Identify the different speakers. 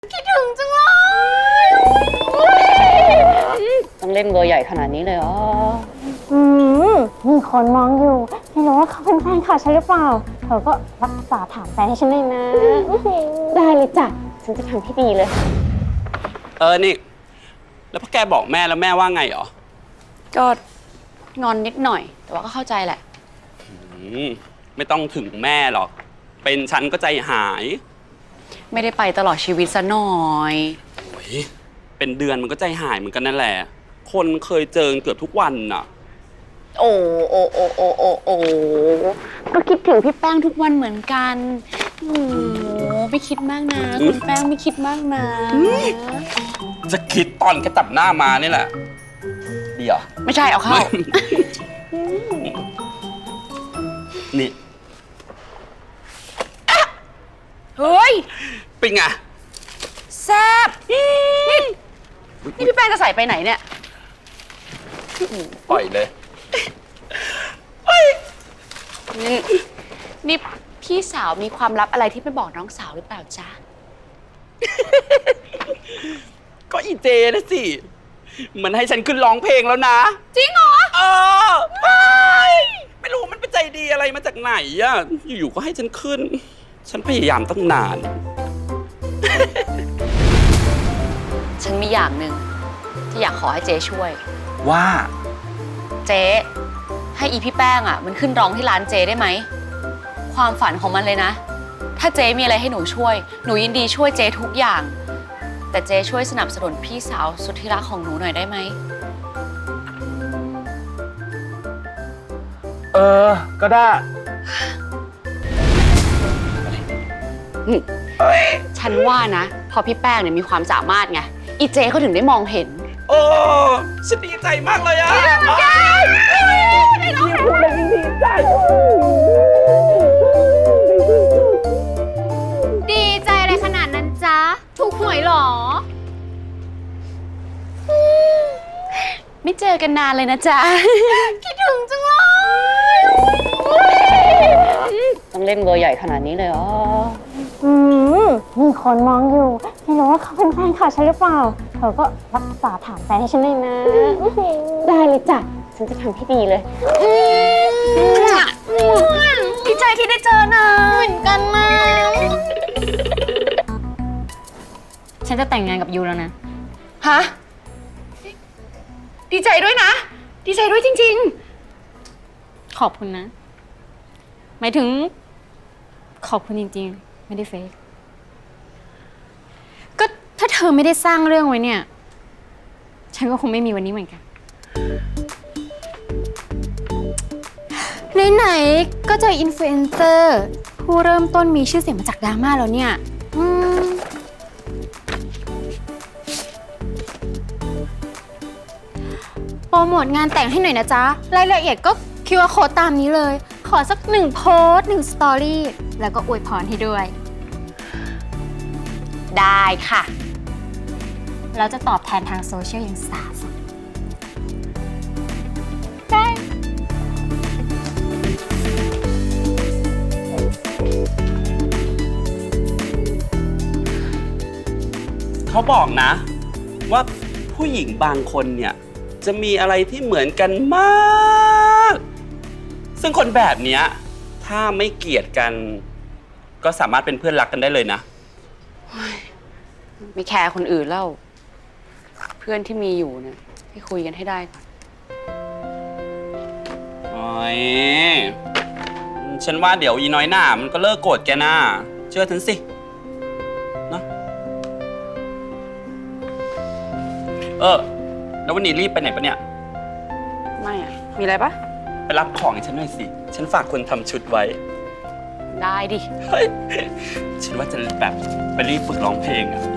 Speaker 1: คิดถึงจังเลยต้องเล่นเบอร์ใหญ่ขนาดนี้เลยเหรอ
Speaker 2: มีคนมองอยู่ไม่รู้ว่าเขาเป็นแฟนข่าวฉันหรือเปล่าเธอก็รักษาถามแฟนให้ฉันเลยนะได้เลยจ้ะฉันจะทำให้ดีเลย
Speaker 3: นี่แล้วพ่อแกบอกแม่แล้วแม่ว่าไงเหรอ
Speaker 1: ก็งอนนิดหน่อยแต่ว่าก็เข้าใจแหละ
Speaker 3: ไม่ต้องถึงแม่หรอกเป็นฉันก็ใจหาย
Speaker 1: ไม่ได้ไปตลอดชีวิตซะหน่อย
Speaker 3: โอ้ยเป็นเดือนมันก็ใจหายเหมือนกันนั่นแหละคนเคยเจอเกือบทุกวันน่ะ
Speaker 1: โอ้ก็คิดถึงพี่แป้งทุกวันเหมือนกันโอ้ไม่คิดมากนะคุณแป้งไม่คิดมากนะ
Speaker 3: จะคิดตอนแกจับหน้ามานี่แหละดีเหรอ
Speaker 1: ไม่ใช่เอาเข้า
Speaker 3: นี่
Speaker 1: เฮ้ย
Speaker 3: เป็นไง
Speaker 1: แซ่บนี่พี่แป้งจะใส่ไปไหนเนี่ย
Speaker 3: ปล่อยเลย
Speaker 1: นี่พี่สาวมีความลับอะไรที่ไม่บอกน้องสาวหรือเปล่าจ๊ะ
Speaker 3: ก็อีเจนะสิมันให้ฉันขึ้นร้องเพลงแล้วนะ
Speaker 1: จริงเหรอ
Speaker 3: ไม่รู้มันเป็นใจดีอะไรมาจากไหนอะอยู่ๆก็ให้ฉันขึ้นฉันพยายามตั้งนาน
Speaker 1: ฉันมีอย่างหนึ่งที่อยากขอให้เจ๊ช่วย
Speaker 3: ว่า
Speaker 1: เจ๊ให้อีพี่แป้งอ่ะมันขึ้นร้องที่ร้านเจ๊ได้ไหมความฝันของมันเลยนะถ้าเจ๊มีอะไรให้หนูช่วยหนูยินดีช่วยเจ๊ทุกอย่างแต่เจ๊ช่วยสนับสนุนพี่สาวสุดที่รักของหนูหน่อยได้ไหม
Speaker 3: ก็ได้
Speaker 1: ฉันว่านะพอพี่แป้งเนี่ยมีความสามารถไงอีเจ๊เขาถึงได้มองเห็น
Speaker 3: โอ้ฉันดีใจมากเลยอะพูดเลยยิ่งดีใจ
Speaker 2: ดีใจอะไรขนาดนั้นจ๊ะถูกหวยหรอ
Speaker 1: ไม่เจอกันนานเลยนะจ๊ะ
Speaker 2: คิดถึงจังเลย
Speaker 1: ต้องเล่นเบอร์ใหญ่ขนาดนี้เลยเหรอ
Speaker 2: มีคนมองอยู่ไม่รู้ว่าเขาเป็นแฟนข่าวฉันหรือเปล่าเธอก็รักษาถามแฟนให้ฉันเลยนะได้เลยจ้ะฉันจะทำให้ดีเลย
Speaker 1: ดีใจที่ได้เจอนะ
Speaker 2: เหมือนกันนะ
Speaker 1: ฉันจะแต่งงานกับยูแล้วนะ
Speaker 2: ฮะ
Speaker 1: ดีใจด้วยนะดีใจด้วยจริง
Speaker 2: ๆขอบคุณนะหมายถึงขอบคุณจริงๆไม่ได้เฟกก็ถ้าเธอไม่ได้สร้างเรื่องไว้เนี่ยฉันก็คงไม่มีวันนี้เหมือนกันไหนๆก็เจออินฟลูเอนเซอร์ผู้เริ่มต้นมีชื่อเสียงมาจากดราม่าแล้วเนี่ยโปรโมทงานแต่งให้หน่อยนะจ๊ะรายละเอียดก็QR Code ตามนี้เลยขอสัก1 โพสต์ 1 สตอรี่แล้วก็อวยพรให้ด้วย
Speaker 1: ได้ค่ะ
Speaker 2: แล้วจะตอบแทนทางโซเชียลอย่างสาสมได้
Speaker 3: เขาบอกนะว่าผู้หญิงบางคนเนี่ยจะมีอะไรที่เหมือนกันมากซึ่งคนแบบเนี้ยถ้าไม่เกลียดกันก็สามารถเป็นเพื่อนรักกันได้เลยนะ
Speaker 1: ไม่แคร์คนอื่นแล้วเพื่อนที่มีอยู่เนี่ยให้คุยกันให้ได้ก่อน
Speaker 3: โอ้ยฉันว่าเดี๋ยวอีน้อยหน้ามันก็เลิกโกรธแกนะเชื่อฉันสินะแล้ววันนี้รีบไปไหนปะเนี่ย
Speaker 1: ไม่อะมีอะไรปะ
Speaker 3: ไปรับของให้ฉันหน่อยสิฉันฝากคนทำชุดไว้
Speaker 1: ได้ดิ
Speaker 3: ฉันว่าจะแบบไปรีบฝึกร้องเพลงอะ